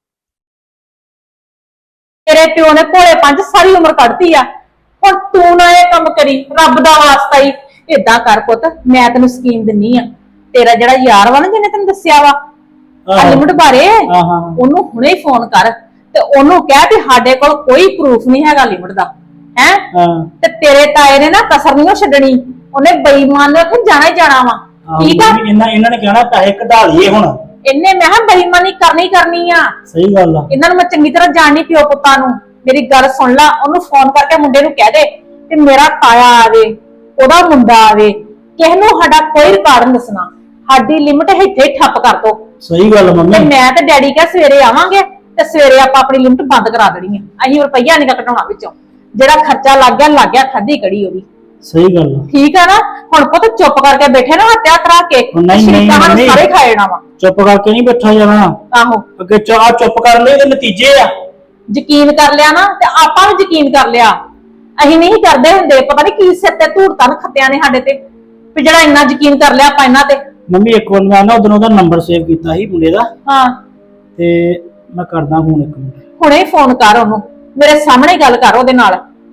ਤੇਰੇ ਪਿਓ ਨੇ ਭੋਲੇ ਪੰਜ ਸਾਰੀ ਉਮਰ ਕੱਢਤੀ ਆ, ਹੁਣ ਤੂੰ ਨਾ ਇਹ ਕੰਮ ਕਰੀ, ਰੱਬ ਦਾ ਵਾਸਤਾ ਹੀ। ਏਦਾਂ ਕਰ ਪੁੱਤ, ਮੈਂ ਤੈਨੂੰ ਸਕੀਮ ਦਿੰਨੀ ਆ। ਤੇਰਾ ਜਿਹੜਾ ਯਾਰ ਵਾ ਨਾ ਜਿਹਨੇ ਤੈਨੂੰ ਦੱਸਿਆ ਵਾ ਲਿਮਟ ਬਾਰੇ, ਹਾਂ ਹਾਂ ਉਹਨੂੰ ਹੁਣੇ ਹੀ ਫੋਨ ਕਰ ਤੇ ਉਹਨੂੰ ਕਹਿ ਵੀ ਸਾਡੇ ਕੋਲ ਕੋਈ ਪ੍ਰੂਫ ਨਹੀਂ ਹੈਗਾ ਲਿਮਟ ਦਾ, ਹੈ ਹਾਂ ਤੇ ਤੇਰੇ ਤਾਏ ਨੇ ਨਾ ਕਸਰ ਨਹੀਂ ਛੱਡਣੀ, ਉਹਨੇ ਬੇਈਮਾਨ ਨੇ ਉੱਥੇ ਜਾਣਾ ਹੀ ਜਾਣਾ ਵਾ। ਠੀਕ ਆ, ਇਹਨਾਂ ਇਹਨਾਂ ਨੇ ਕਹਿਣਾ ਪੈਸੇ ਕਢਾ ਲਈਏ ਹੁਣ। ਇਹਨੇ ਮੈਂ ਕਿਹਾ ਬੇਈਮਾਨੀ ਕਰਨੀ ਕਰਨੀ ਆ। ਸਹੀ ਗੱਲ ਆ। ਇਹਨਾਂ ਨੂੰ ਮੈਂ ਚੰਗੀ ਤਰ੍ਹਾਂ ਜਾਣਨੀ ਪਿਓ ਪੁੱਤਾਂ ਨੂੰ। ਮੇਰੀ ਗੱਲ ਸੁਣ ਲੈ, ਉਹਨੂੰ ਫੋਨ ਕਰਕੇ ਮੁੰਡੇ ਨੂੰ ਕਹਿ ਦੇ ਕਿ ਮੇਰਾ ਤਾਇਆ ਆਵੇ, ਉਹਦਾ ਮੁੰਡਾ ਆਵੇ, ਕਿਸੇ ਨੂੰ ਸਾਡਾ ਕੋਈ ਰਿਕਾਰਡ ਨਹੀਂ ਦੱਸਣਾ, ਸਾਡੀ ਲਿਮਟ ਇੱਥੇ ਹੀ ਠੱਪ ਕਰ ਦੋ। ਸਹੀ ਗੱਲ ਤੇ ਮੰਮੀ। ਮੈਂ ਤੇ ਡੈਡੀ ਕਹ ਸਵੇਰੇ ਆਵਾਂਗੇ ਤੇ ਸਵੇਰੇ ਆਪਾਂ ਆਪਣੀ ਲਿਮਟ ਬੰਦ ਕਰਾ ਦੇਣੀ ਹੈ। ਅਸੀਂ ਰੁਪਈਆ ਨਹੀਂ ਘਟਾਉਣਾ ਵਿੱਚੋਂ, ਜਿਹੜਾ ਖਰਚਾ ਲੱਗ ਗਿਆ ਲੱਗ ਗਿਆ, ਖਾਦੀ ਕੜੀ ਉਹਦੀ। ਸਹੀ ਗੱਲ ਆ। ਠੀਕ ਆ ਨਾ, ਹੁਣ ਪੁੱਤ ਚੁੱਪ ਕਰਕੇ ਬੈਠੇ ਨਾ ਹੱਤਿਆ ਕਰਾ ਕੇ, ਉਹ ਨਹੀਂ, ਨਹੀਂ, ਸ਼ਰੀਕਾਂ ਸਾਨੂੰ ਨਹੀਂ। ਸਾਰੇ ਖਾਏ ਜਾਣਾ ਵਾ। ਚੁੱਪ ਕਰਕੇ ਨਹੀਂ ਬੈਠਾ ਜਾਣਾ, ਆਹੋ, ਅੱਗੇ ਚਾਹ ਚੁੱਪ ਕਰਨ ਲਈ ਦੇ ਨਤੀਜੇ ਆ। ਯਕੀਨ ਕਰ ਲਿਆ ਨਾ ਤੇ ਆਪਾਂ ਵੀ ਯਕੀਨ ਕਰ ਲਿਆ। ਅਸੀਂ ਨਹੀਂ ਕਰਦੇ ਹੁੰਦੇ, ਪਤਾ ਨਹੀਂ ਕੀ ਸਿਰ ਤੇ ਧੂੜਤਾਂ ਖੱਤਿਆਂ ਨੇ ਸਾਡੇ ਤੇ, ਵੀ ਜਿਹੜਾ ਇੰਨਾ ਯਕੀਨ ਕਰ ਲਿਆ ਆਪਾਂ ਇਹਨਾਂ ਤੇ। ਮੰਮੀ ਇੱਕ ਵਾਰ ਮੈਂ ਨਾ ਉਦੋਂ ਉਹਦਾ ਨੰਬਰ ਸੇਵ ਕੀਤਾ ਸੀ ਮੁੰਡੇ ਦਾ, ਹਾਂ, ਤੇ ਮੈਂ ਕਰਦਾ ਫੋਨ ਇੱਕ ਮਿੰਟ। ਹੁਣੇ ਫੋਨ ਕਰ ਉਹਨੂੰ, ਮੇਰੇ ਸਾਹਮਣੇ ਗੱਲ ਕਰ ਉਹਦੇ ਨਾਲ।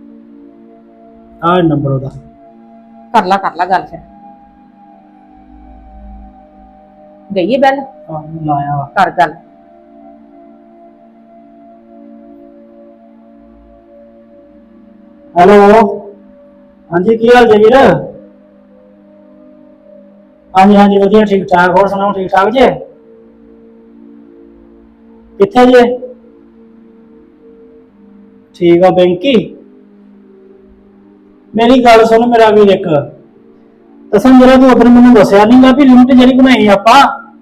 ਆਹ ਨੰਬਰ ਉਹਦਾ। ਕਰ ਲਾ ਕਰ ਲਾ ਗੱਲ ਫਿਰ। ਗਈ ਹੈ ਬੈਲ, ਆਹ ਮੈਂ ਲਾਇਆ ਵਾ। ਕਰ ਗੱਲ। ਹੈਲੋ, ਹਾਂਜੀ ਕੀ ਹਾਲ ਜੀ ਵੀਰ? ਹਾਂਜੀ ਹਾਂਜੀ ਵਧੀਆ ਠੀਕ ਠਾਕ, ਹੋਰ ਸੁਣਾਓ ਠੀਕ ਠਾਕ ਜੀ? ਕਿੱਥੇ ਜੇ? ਠੀਕ ਆ ਬੈਂਕੀ। ਮੇਰੀ ਗੱਲ ਸੁਣ ਮੇਰਾ ਵੀਰ, ਇੱਕ ਕਸਮ ਜਿਹੜਾ ਤੂੰ ਉਧਰ ਮੈਨੂੰ ਦੱਸਿਆ ਨਹੀਂਗਾ ਵੀ ਲਿਮਟ ਜਿਹੜੀ ਬਣਾਈ ਆਪਾਂ,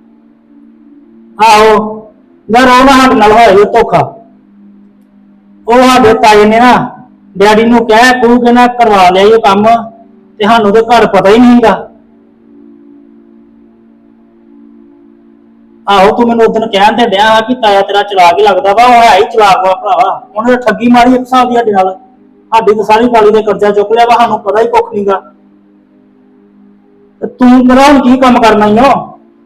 ਆਹੋ ਯਾਰ ਉਹ ਨਾ ਸਾਡੇ ਨਾਲ ਹੋਇਆ ਧੋਖਾ। ਉਹ ਸਾਡੇ ਤਾਏ ਨੇ ਨਾ ਡੈਡੀ ਨੂੰ ਕਹਿ ਕੂ ਕੇ ਨਾ ਕਰਵਾ ਲਿਆ ਇਹ ਕੰਮ, ਤੇ ਸਾਨੂੰ ਤੇ ਘਰ ਪਤਾ ਹੀ ਨਹੀਂਗਾ। ਆਹੋ ਤੂੰ ਮੈਨੂੰ ਉਦੋਂ ਕਹਿਣ ਤੇ ਡਿਆ ਕਿ ਤਾਇਆ ਤੇਰਾ ਚਲਾਕ ਹੀ ਲੱਗਦਾ ਵਾ, ਉਹ ਹੈ ਹੀ ਚਲਾਕ ਵਾ ਭਰਾਵਾ। ਉਹਨੇ ਠੱਗੀ ਮਾਰੀ ਇੱਕ ਹਿਸਾਬ ਦੀ ਸਾਡੇ ਨਾਲ, ਸਾਡੀ ਤਾਂ ਸਾਰੀ ਕਾਲੀ ਦੇ ਕਰਜ਼ਾ ਚੁੱਕ ਲਿਆ ਵਾ, ਸਾਨੂੰ ਪਤਾ ਹੀ ਕੁੱਖ ਨਹੀਂਗਾ। ਤੇ ਤੂੰ ਮੇਰਾ ਹੁਣ ਕੀ ਕੰਮ ਕਰਨਾ ਈ ਓ?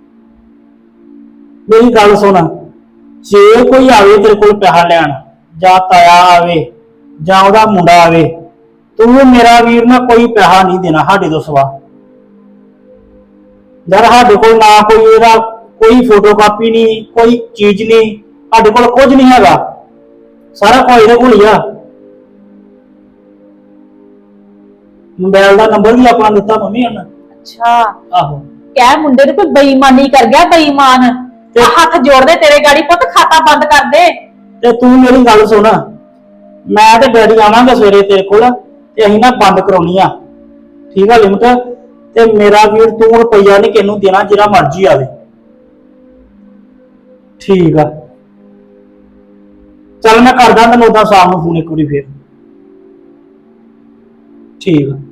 ਮੇਰੀ ਗੱਲ ਸੁਣ, ਜੇ ਕੋਈ ਆਵੇ ਤੇਰੇ ਕੋਲ ਪੈਸਾ ਲੈਣ, ਜਾਂ ਤਾਇਆ ਆਵੇ ਜਾਂ ਉਹਦਾ ਮੁੰਡਾ ਆਵੇ, ਤੂੰ ਮੇਰਾ ਵੀਰ ਨਾ ਕੋਈ ਪੈਸਾ ਨਹੀਂ ਦੇਣਾ ਸਾਡੇ ਤੋਂ ਸਿਵਾ। ਯਾਰ ਸਾਡੇ ਕੋਲ ਨਾ ਕੋਈ ਇਹਦਾ ਕੋਈ ਫੋਟੋ ਕਾਪੀ ਨਹੀਂ, ਕੋਈ ਚੀਜ਼ ਨਹੀਂ, ਸਾਡੇ ਕੋਲ ਕੁਝ ਨਹੀਂ ਹੈਗਾ, ਸਾਰਾ ਕੁਝ ਇਹਦੇ ਕੋਲ ਹੀ ਆ। ਮੋਬਾਈਲ ਦਾ ਨੰਬਰ ਵੀ ਆਪਣਾ ਦਿੱਤਾ ਮੰਮੀ ਉਹਨੇ। ਅੱਛਾ, ਆਹੋ ਕਹਿ ਮੁੰਡੇ ਨੂੰ ਕੋਈ ਬੇਈਮਾਨੀ ਕਰ ਗਿਆ, ਬੇਈਮਾਨ ਤੇ ਹੱਥ ਜੋੜਦੇ ਤੇਰੇ ਗਾੜੀ, ਪੁੱਤ ਖਾਤਾ ਬੰਦ ਕਰ ਦੇ। ਤੇ ਤੂੰ ਮੇਰੀ ਗੱਲ ਸੁਣ, ਮੈਂ ਤੇ ਡੈਡੀ ਆਵਾਂਗੇ ਸਵੇਰੇ ਤੇਰੇ ਕੋਲ, ਤੇ ਅਸੀਂ ਨਾ ਬੰਦ ਕਰਾਉਣੀ ਆ, ਠੀਕ ਆ ਲਿਮਟ। ਤੇ ਮੇਰਾ ਵੀਰ ਤੂੰ ਰੁਪਈਆ ਨਹੀਂ ਕਿਹਨੂੰ ਦੇਣਾ, ਜਿਹੜਾ ਮਰਜ਼ੀ ਆਵੇ, ਠੀਕ ਆ? ਚੱਲ ਮੈਂ ਕਰਦਾ ਤੈਨੂੰ ਉਦਾਂ ਸ਼ਾਮ ਨੂੰ ਫੋਨ ਇੱਕ ਵਾਰੀ ਫੇਰ, ਠੀਕ ਆ?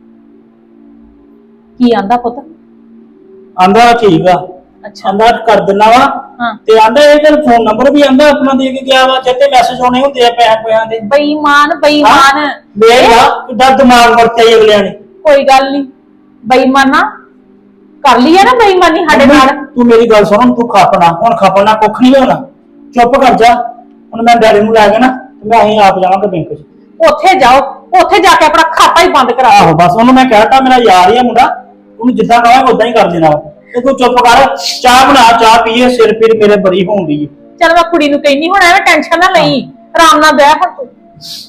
ਕੀ ਆਂਦਾ ਪੁੱਤ? ਆਂਦਾ ਠੀਕ ਆ, ਅੱਛਾ, ਆਂਦਾ ਕਰ ਦਿੰਦਾ ਵਾ। ਹਾਂ, ਤੇ ਆਂਦਾ ਇਹ ਤੇ ਫੋਨ ਨੰਬਰ ਵੀ ਆਂਦਾ ਆਪਣਾ ਦੇ ਕੇ ਗਿਆ ਵਾ, ਜਿੱਤੇ ਮੈਸੇਜ ਆਉਣੇ ਹੁੰਦੇ ਆ ਪੈਸੇ ਪਿਆਂ ਦੇ। ਬੇਈਮਾਨ ਬੇਈਮਾਨ। ਵੇਖ ਲਾ ਕਿੱਡਾ ਦਿਮਾਗ ਵਰਤਿਆ ਅਗਲਿਆਂ ਨੇ। ਕੋਈ ਗੱਲ ਨਹੀਂ, ਬੇਈਮਾਨਾ ਕਰ ਲਈ ਹੈ ਨਾ ਬੇਈਮਾਨੀ ਸਾਡੇ ਨਾਲ। ਤੂੰ ਮੇਰੀ ਗੱਲ ਸੁਣ, ਤੂੰ ਖਾਪਣਾ ਹੁਣ, ਖਾਪਣਾ ਕੁੱਖ ਨਹੀਂ ਹੋਣਾ, ਚੁੱਪ ਕਰ ਜਾ। ਹੁਣ ਮੈਂ ਡੈਡੀ ਨੂੰ ਲੈ ਕੇ ਨਾ ਤੇ ਮੈਂ ਅਸੀਂ ਆਪ ਜਾਵਾਂਗਾ ਬੈਂਕ 'ਚ। ਉੱਥੇ ਜਾਓ, ਉੱਥੇ ਜਾ ਕੇ ਆਪਣਾ ਖਾਤਾ ਹੀ ਬੰਦ ਕਰਾ ਆਹੋ ਬਸ ਉਹਨੂੰ ਮੈਂ ਕਹਿਤਾ ਮੇਰਾ ਯਾਰ ਹੀ ਆ ਮੁੰਡਾ, ਉਹਨੂੰ ਜਿੱਦਾਂ ਕਹਾਂਗਾ ਉਦਾਂ ਹੀ ਕਰ ਦੇਣਾ। ਤੇ ਤੂੰ ਚੁੱਪ ਕਰ, ਚਾਹ ਬਣਾ, ਚਾਹ ਪੀਏ, ਸਿਰ ਪੀਰ ਮੇਰੇ ਬੜੀ ਹੋਣ ਦੀ। ਚਲ ਮੈਂ ਕੁੜੀ ਨੂੰ ਕਹਿੰਦੀ, ਹੁਣ ਐਵੇਂ ਟੈਨਸ਼ਨ ਨਾ ਲਈ, ਆਰਾਮ ਨਾਲ ਬਹਿ ਹੁਣ ਤੂੰ।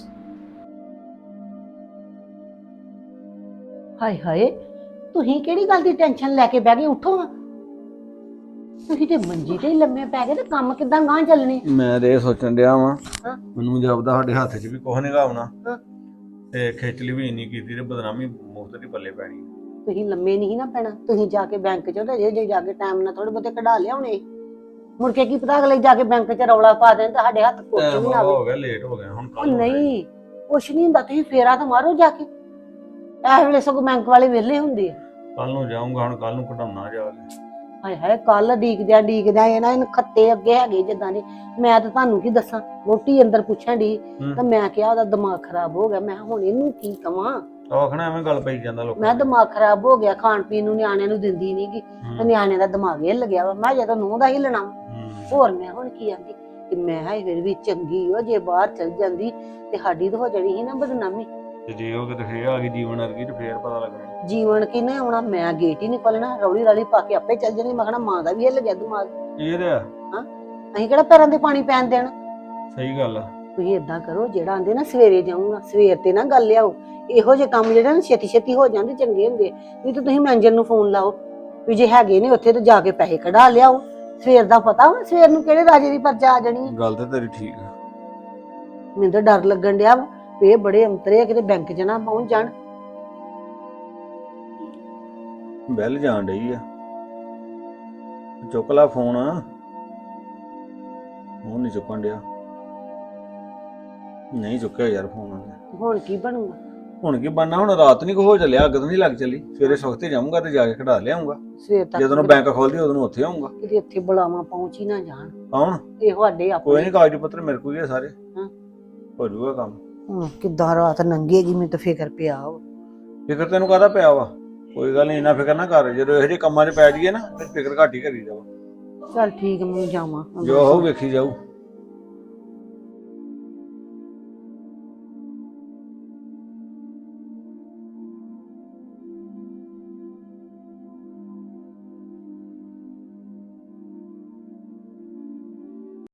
ਹਾਏ ਹਾਏ, ਤੁਸੀਂ ਕਿਹੜੀ ਗੱਲ ਦੀ ਟੈਨਸ਼ਨ ਲੈ ਕੇ ਬਹਿ ਗਏ? ਉੱਠੋ, ਤੁਸੀਂ ਤੇ ਮੰਜੀ ਤੇ ਹੀ ਲੰਮੇ ਪੈ ਗਏ, ਤੇ ਕੰਮ ਕਿੱਦਾਂ ਗਾਂ ਚੱਲਣੇ? ਮੈਂ ਤੇ ਇਹ ਸੋਚਣ ਡਿਆ ਵਾਂ, ਹਾਂ। ਮੈਨੂੰ ਜਾਪਦਾ ਸਾਡੇ ਹੱਥ 'ਚ ਵੀ ਕੁਝ ਨਹੀਂਗਾ ਆਉਣਾ, ਹਾਂ। ਤੇ ਖੇਚਲੀ ਵੀ ਇੰਨੀ ਕੀਤੀ ਤੇ ਬਦਨਾਮੀ ਮੁਫਤ ਦੀ ਪੱਲੇ ਪੈਣੀ। ਤੁਸੀਂ ਲੰਮੇ ਨਹੀਂ ਨਾ ਪੈਣਾ, ਤੁਸੀਂ ਜਾ ਕੇ ਬੈਂਕ 'ਚ ਤੇ ਜੇ ਜਾ ਕੇ ਟਾਈਮ ਨਾਲ ਥੋੜੇ ਬਹੁਤੇ ਕਢਾ ਲਿਆਉਣੇ। ਮੁੜ ਕੇ ਕੀ ਪਤਾ ਅਗਲੇ ਜਾ ਕੇ ਬੈਂਕ 'ਚ ਰੌਲਾ ਪਾ ਦੇਣ ਤਾਂ ਸਾਡੇ ਹੱਥ ਕੁਝ ਟਾਈਮ ਵੀ ਨਾ ਆਵੇ। ਹੋ ਗਿਆ, ਲੇਟ ਹੋ ਗਿਆ ਹੁਣ ਉਹ ਕੱਲ ਨਹੀਂ ਕੁਛ ਨਹੀਂ ਹੁੰਦਾ, ਤੁਸੀਂ ਫੇਰਾ ਤਾਂ ਮਾਰੋ ਜਾ ਕੇ। ਇਸ ਵੇਲੇ ਸਗੋਂ ਬੈਂਕ ਵਾਲੇ ਵਿਹਲੇ ਹੁੰਦੇ ਆ। ਕੱਲ ਨੂੰ ਜਾਊਂਗਾ, ਹੁਣ ਕੱਲ ਨੂੰ ਕਢਾਉਣਾ ਜਾ ਕੇ। ਹਾਏ ਹਾਏ ਕੱਲ ਡੀਕਦਿਆਂ ਡੀਕਦਿਆਂ ਇਹਨਾਂ ਇਹਨਾਂ ਖੱਤੇ ਅੱਗੇ ਹੈਗੇ ਜਿੱਦਾਂ ਦੇ। ਮੈਂ ਤਾਂ ਤੁਹਾਨੂੰ ਕੀ ਦੱਸਾਂ, ਵੋਟੀ ਅੰਦਰ ਪੁੱਛਣ ਦੀ ਹੂੰ। ਤਾਂ ਮੈਂ ਕਿਹਾ ਉਹਦਾ ਦਿਮਾਗ ਖਰਾਬ ਹੋ ਗਿਆ। ਮੈਂ ਕਿਹਾ ਹੁਣ ਇਹਨੂੰ ਕੀ ਕਵਾਂ। ਆਖਣਾ ਐਵੇਂ ਗੱਲ ਪਈ ਜਾਂਦਾ ਲੋਕਾਂ ਮੈਂ ਦੀ। ਦਿਮਾਗ ਖਰਾਬ ਹੋ ਗਿਆ, ਖਾਣ ਪੀਣ ਨੂੰ ਨਿਆਣਿਆਂ ਨੂੰ ਦਿੰਦੀ ਨਹੀਂਗੀ ਤੇ ਹੂੰ, ਨਿਆਣਿਆਂ ਦਾ ਦਿਮਾਗ ਹਿੱਲ ਗਿਆ ਵਾ। ਮੈਂ ਜਦੋਂ ਨੂੰਹ ਦਾ ਹਿੱਲਣਾ ਵਾ। ਹੂੰ। ਹੋਰ ਮੈਂ ਹੁਣ ਕੀ ਆਂਦੀ ਕਿ ਮੈਂ ਹਾਏ ਫਿਰ ਵੀ ਚੰਗੀ ਉਹ ਜੇ ਬਾਹਰ ਚਲ ਜਾਂਦੀ ਤੇ ਸਾਡੀ ਤਾਂ ਹੋ ਜਾਣੀ ਸੀ ਨਾ ਬਦਨਾਮੀ। ਤੇ ਜੇ ਉਹ ਕਿਤੇ ਫੇਰ ਆ ਗਈ ਜੀਵਨ ਵਰਗੀ ਤੇ ਫੇਰ ਪਤਾ ਲੱਗਣਾ। ਜੀਵਨ ਕਿਨੇ ਆਉਣਾ, ਮੈਂ ਗੇਟ ਹੀ ਨਹੀਂ ਖੋਲਣਾ, ਰੌਲੀ ਰਾਲੀ ਪਾ ਕੇ ਆਪੇ ਚੱਲ ਜਾਣੀ। ਮੈਂ ਕਹਣਾ ਮਾਂ ਦਾ ਵੀ ਹਿੱਲ ਗਿਆ ਦਿਮਾਗ, ਇਹ ਤੇ ਆ, ਅਸੀਂ ਕਿਹੜਾ ਪੈਰਾਂ ਤੇ ਪਾਣੀ ਪੈਣ ਦੇਣਾ। ਸਹੀ ਗੱਲ ਆ। ਤੁਸੀਂ ਏਦਾਂ ਕਰੋ, ਜਿਹੜਾ ਆਂਦੇ ਨਾ ਸਵੇਰੇ ਜਾਊਂਗਾ, ਸਵੇਰ ਤੇ ਨਾ ਗੱਲ ਲਿਆਓ। ਇਹੋ ਜਿਹੇ ਕੰਮ ਜਿਹੜੇ ਨਾ ਛੇਤੀ ਛੇਤੀ ਹੋ ਜਾਂਦੇ ਚੰਗੇ ਹੁੰਦੇ। ਨਹੀਂ ਤਾਂ ਤੁਸੀਂ ਮੈਨੇਜਰ ਨੂੰ ਫੋਨ ਲਾਓ ਵੀ ਜੇ ਹੈਗੇ ਨੇ ਉੱਥੇ ਤੇ ਜਾ ਕੇ ਪੈਸੇ ਕਢਾ ਲਿਆਓ। ਸਵੇਰ ਦਾ ਪਤਾ ਵਾ ਸਵੇਰ ਨੂੰ ਕਿਹੜੇ ਰਾਜੇ ਦੀ ਪਰਚਾ ਆ ਜਾਣੀ ਹੈ। ਗੱਲ ਤੇ ਤੇਰੀ ਠੀਕ ਆ। ਮੈਨੂੰ ਤਾਂ ਡਰ ਲੱਗਣ ਡਿਆ ਵਾ ਵੀ ਇਹ ਬੜੇ ਅੰਤਰੇ ਆ, ਕਿਤੇ ਬੈਂਕ 'ਚ ਨਾ ਪਹੁੰਚ ਜਾਣ। ਬੈਲ ਜਾਣ ਡਈ ਆ, ਚੁੱਕ ਲਾ ਫੋਨ। ਉਹ ਨਹੀਂ ਚੁੱਕਣ ਡਿਆ, ਨਹੀਂ ਚੁੱਕਿਆ ਯਾਰ ਫੋਨ ਉਹਨੇ। ਹੁਣ ਕੀ ਬਣੂਗਾ? ਹੁਣ ਕੀ ਬਣਨਾ, ਹੁਣ ਰਾਤ ਨਹੀਂ ਕੋ ਹੋ ਚੱਲਿਆ, ਅੱਗ ਤਾਂ ਨਹੀਂ ਲੱਗ ਚੱਲੀ। ਸਵੇਰੇ ਸਵਖਤੇ ਜਾਊਂਗਾ ਤੇ ਜਾ ਕੇ ਖੜਾ ਲਿਆਉਂਗਾ। ਸਵੇਰ ਤੱਕ ਜਦੋਂ ਬੈਂਕ ਖੋਲਦੀ ਉਦੋਂ ਨੂੰ ਉੱਥੇ ਆਉਂਗਾ। ਕਿਤੇ ਉੱਥੇ ਬੁਲਾਵਾ ਪਹੁੰਚ ਹੀ ਨਾ ਜਾਣ। ਕੌਣ? ਇਹ ਸਾਡੇ ਕੋਈ ਆਪਣੇ। ਨਹੀਂ, ਕਾਗਜ਼ ਪੱਤਰ ਮੇਰੇ ਕੋਲ ਹੀ ਆ ਸਾਰੇ। ਹਾਂ। ਹੋ ਜਾਊਗਾ ਕੰਮ। ਹੁਣ ਕਿੱਦਾਂ ਰਾਤ ਲੰਘੇਗੀ, ਮੈਨੂੰ ਤਾਂ ਫਿਕਰ ਪਿਆ ਵਾ। ਫਿਕਰ ਤੈਨੂੰ ਕਾਹਦਾ ਪਿਆ ਵਾ? ਕੋਈ ਗੱਲ ਨਹੀਂ, ਇੰਨਾ ਫਿਕਰ ਨਾ ਕਰ। ਜਦੋਂ ਇਹੋ ਜਿਹੇ ਕੰਮਾਂ 'ਚ ਪੈ ਜਾਈਏ ਨਾ ਫਿਰ ਫਿਕਰ ਘੱਟ ਹੀ ਕਰੀਦਾ ਵਾ। ਚੱਲ ਠੀਕ, ਮੈਂ ਜਾਵਾਂ। ਜੋ ਹੋ ਵੇਖੀ ਜਾਊ।